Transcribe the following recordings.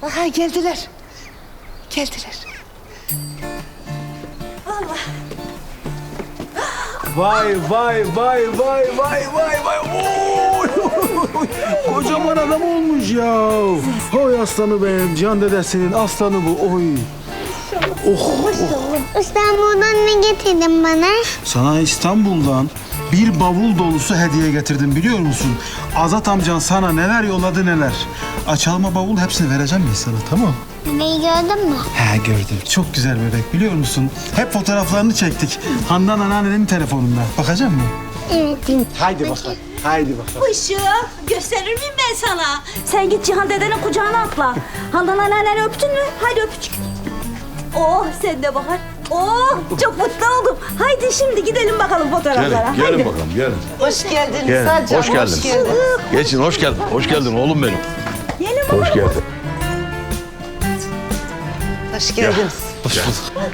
Aha geldiler. Geldiler. Vay vay vay vay vay vay vay. Oy! Kocaman adam olmuş ya. Oy aslanı benim. Cihan dedesinin aslanı bu. Oy. İstanbul'dan ne getirdin bana? Sana İstanbul'dan bir bavul dolusu hediye getirdim biliyor musun? Azat amcan sana neler yolladı neler. Açalma bavul hepsini vereceğim ben sana, tamam? Bebeği gördün mü? He gördüm. Çok güzel bebek biliyor musun? Hep fotoğraflarını çektik. Handan anneannenin telefonunda. Bakacak mısın? Evet. Haydi bakalım. Haydi bakalım. Işığı gösterir miyim ben sana? Sen git Cihan dedenin kucağına atla. Handan anneanneni öptün mü? Haydi öpücük. Oh sen de Bahar. Oh çok mutlu oldum. Haydi şimdi gidelim bakalım fotoğraflara. Gelin, gelin bakalım, gelin. Hoş geldiniz Gel, Sadcan. hoş geldiniz. Geçin, hoş geldin. Hoş geldin oğlum benim. Gelin bakalım. Hoş geldin. Hoş geldiniz. Hoş bulduk.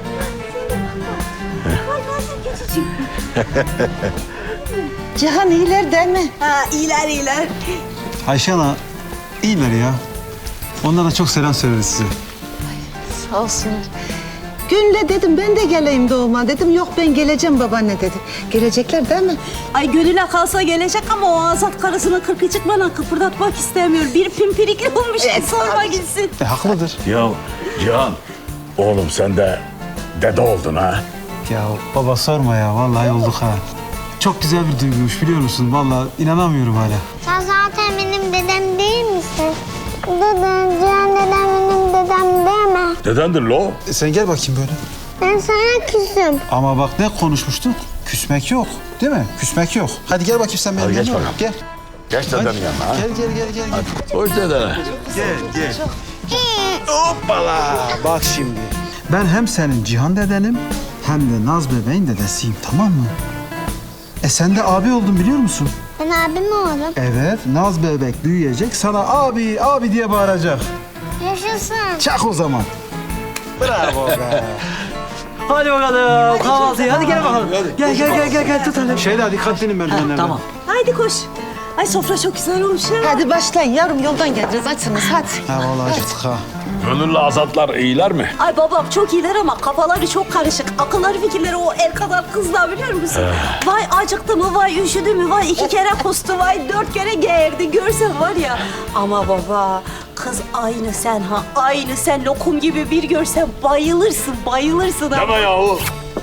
Cihan iyiler değil mi? Ha iyiler iyiler. Ayşe ana iyiler ya. Onlara çok selam söyleriz size. Sağ olsunlar. Gül'le dedim ben de geleyim doğuma dedim. Yok ben geleceğim babaanne dedi. Gelecekler değil mi? Ay gönüle kalsa gelecek ama o Azat karısının kırkı çıkmadan kıpırdatmak istemiyor. Bir pimpirikli olmuş sorma gitsin. Haklıdır. Ya Cihan, oğlum sen de dede oldun ha. Ya baba sorma ya. Vallahi olduk ha. Çok güzel bir duyguymuş biliyor musun? Vallahi inanamıyorum hala. Sen zaten benim dedem değil misin? Dedem, Cihan dedem benim dedem değil mi? Dedendir lo. Sen gel bakayım böyle. Ben sana küsüm. Ama bak ne konuşmuştuk? Küsmek yok. Değil mi? Küsmek yok. Hadi gel bakayım sen benim Hadi geç yanıma. bakalım. Gel. Geç dedenin Hadi. yanına ha. Gel. Hadi. Hoş dedene. Gel. Hoppala. Bak şimdi. Ben hem senin Cihan dedenim hem de Naz bebeğin dedesiyim, tamam mı? Sen de abi oldun biliyor musun? Ben abim oğlum. Evet, Naz bebek büyüyecek, sana abi diye bağıracak. Yaşasın. Çak o zaman. Bravo be. Hadi bakalım kahvaltıya. Hadi gel bakalım. Gel tut hadi. Şeyda dikkatlenin merdivenlerden. Tamam. Haydi koş. Ay sofra çok güzel olmuş ha. Hadi başlayın yavrum yoldan geleceğiz açsınız hadi. Ha vallahi acıktık ha. Gönüllü azatlar iyiler mi? Ay babam çok iyiler ama kafaları çok karışık. Akılları fikirleri o el kadar kızlar biliyor musun? Vay acıktı mı, vay üşüdü mü, vay 2 kere kustu, vay 4 kere geğirdi. Görsen var ya. Ama baba kız aynı sen ha. Aynı sen lokum gibi bir görsen bayılırsın ha. Deme yahu.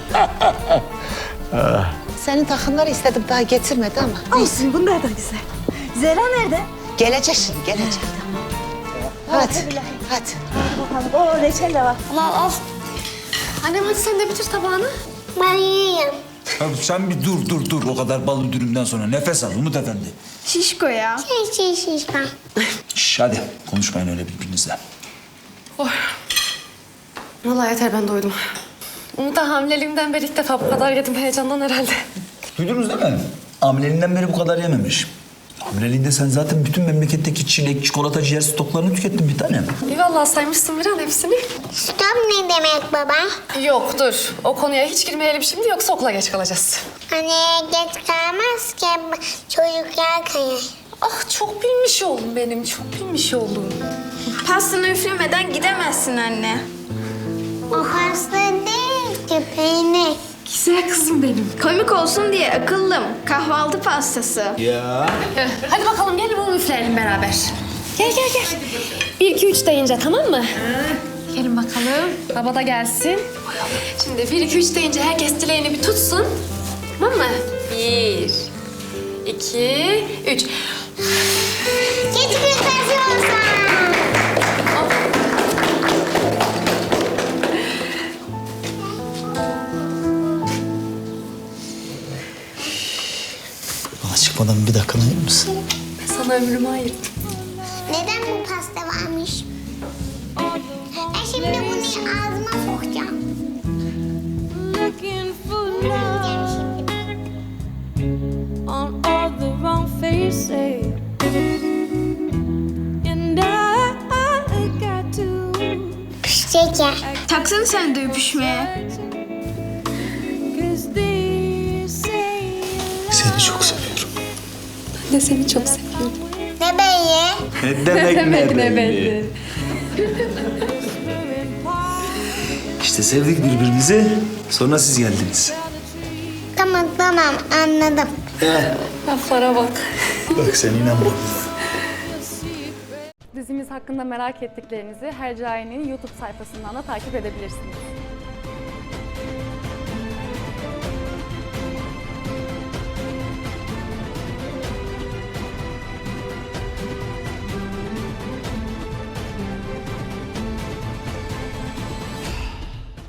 Senin takımları istedim daha getirmedi ama. Olsun bunlar da güzel. Zehra nerede? Gelecek şimdi gelecek. Hadi. Hadi. Bakalım o reçel de var. Al. Annem hadi sen de bitir tabağını. Ben yiyeyim. Ya sen bir dur. O kadar bal dürümden sonra nefes al Umut Efendi. Şişko ya. Şiş. Şş, hadi konuşmayın öyle birbirinizle. Vallahi yeter ben doydum. Umut da hamileliğimden beri ilk defa bu kadar yedim heyecandan herhalde. Duydunuz değil mi? Hamileliğinden beri bu kadar yememiş. Hamileliğinde sen zaten bütün memleketteki çilek, çikolata, ciğer stoklarını tükettin bir tanem. İyi vallahi saymışsın bir an hepsini. Stop ne demek baba? Yok dur. O konuya hiç girmeyelim şimdi yoksa okula geç kalacağız. Hani geç kalmaz ki çocuklar kayar. Ah çok bilmiş oğlum benim. Çok bilmiş oğlum. Pastanı üflemeden gidemezsin anne. O hasta değil ki peynir. Güzel kızım benim. Komik olsun diye akıllım. Kahvaltı pastası. Ya. Hadi bakalım gelin bunu üfleyelim beraber. Gel. 1, 2, 3 deyince tamam mı? Gelin bakalım. Baba da gelsin. Şimdi 1, 2, 3 deyince herkes dileğini bir tutsun. Tamam mı? 1, 2, 3. Geç kırtası olsa. Bana çıkmadan bir dakikanı ayırır mısın? Ben sana ömrümü ayırdım. Neden bu pasta varmış? Ben şimdi bunu ağzıma sokacağım. Yiyeceğim şimdi. On all the wrong faces, and I got to Şeker. Taksana sen de öpüşmeye. 'cause they say Seni çok seviyorum. Ben de seni çok seviyorum. Ne beyi? Ne demek Ne belli. İşte sevdik birbirimizi. Sonra siz geldiniz. Tamam anladım. Laflara bak. Bak sen inanma. Dizimiz hakkında merak ettiklerinizi Hercai'nin YouTube sayfasından da takip edebilirsiniz.